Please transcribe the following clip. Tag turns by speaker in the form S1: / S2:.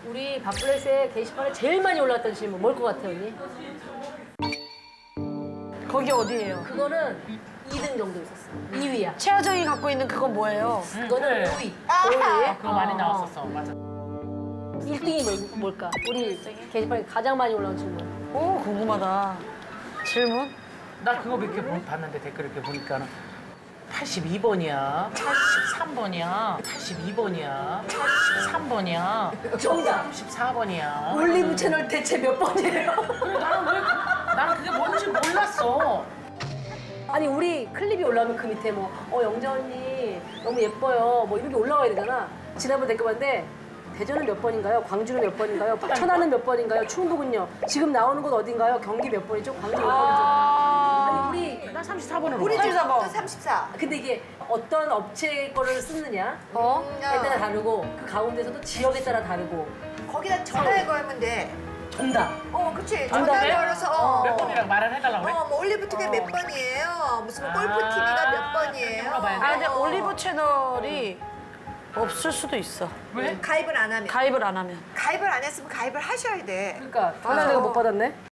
S1: 우리 밥플래시에 게시판에 제일 많이 올라왔던 질문 뭘 것 같아요, 언니?
S2: 거기 어디예요?
S1: 그거는 2등 정도 있었어. 2위야.
S2: 최하정이 갖고 있는 그건 뭐예요?
S1: 그거는
S3: 그래.
S1: 5위.
S3: 그거 많이 나왔었어. 맞아.
S1: 1등이 뭘까? 우리 게시판에 가장 많이 올라온 질문.
S2: 오, 궁금하다. 질문?
S3: 나 그거 몇 개 봤는데 댓글 이렇게 보니까는 82번이야, 83번이야, 82번이야, 83번이야,
S1: 정답.
S3: 94번이야.
S1: 올리브 채널 대체 몇 번이에요?
S3: 그래 나는 그게 뭔지 몰랐어.
S1: 아니 우리 클립이 올라오면 그 밑에 영자 언니 너무 예뻐요 뭐 이런 게 올라와야 되잖아. 지난번 댓글 봤는데 대전은 몇 번인가요? 광주는 몇 번인가요? 천안은 몇 번인가요? 충북은요? 지금 나오는 곳 어딘가요? 경기 몇 번이죠? 광주 몇 번이죠? 아니 우리
S3: 나 34번으로.
S4: 우리
S2: 집
S4: 집도
S2: 번.
S4: 34.
S1: 근데 이게 어떤 업체 거를 쓰느냐
S2: 어?
S1: 에 따라 다르고 그 가운데서도 지역에 따라 다르고
S4: 거기다 전화해 걸면 돼.
S1: 정답.
S4: 그치.
S1: 정답에?
S4: 전화해 걸어서.
S3: 몇 번이라고 말을 해달라고 그래?
S4: 뭐 올리브 투게 몇 번이에요? 무슨 뭐 골프 TV가 몇 번이에요?
S3: 물어봐야 돼.
S2: 아, 근데 올리브 채널이 없을 수도 있어.
S3: 왜?
S4: 가입을 안 하면.
S2: 가입을 안 하면.
S4: 가입을 안 했으면 가입을 하셔야 돼.
S1: 그러니까 전화 내가 못 받았네.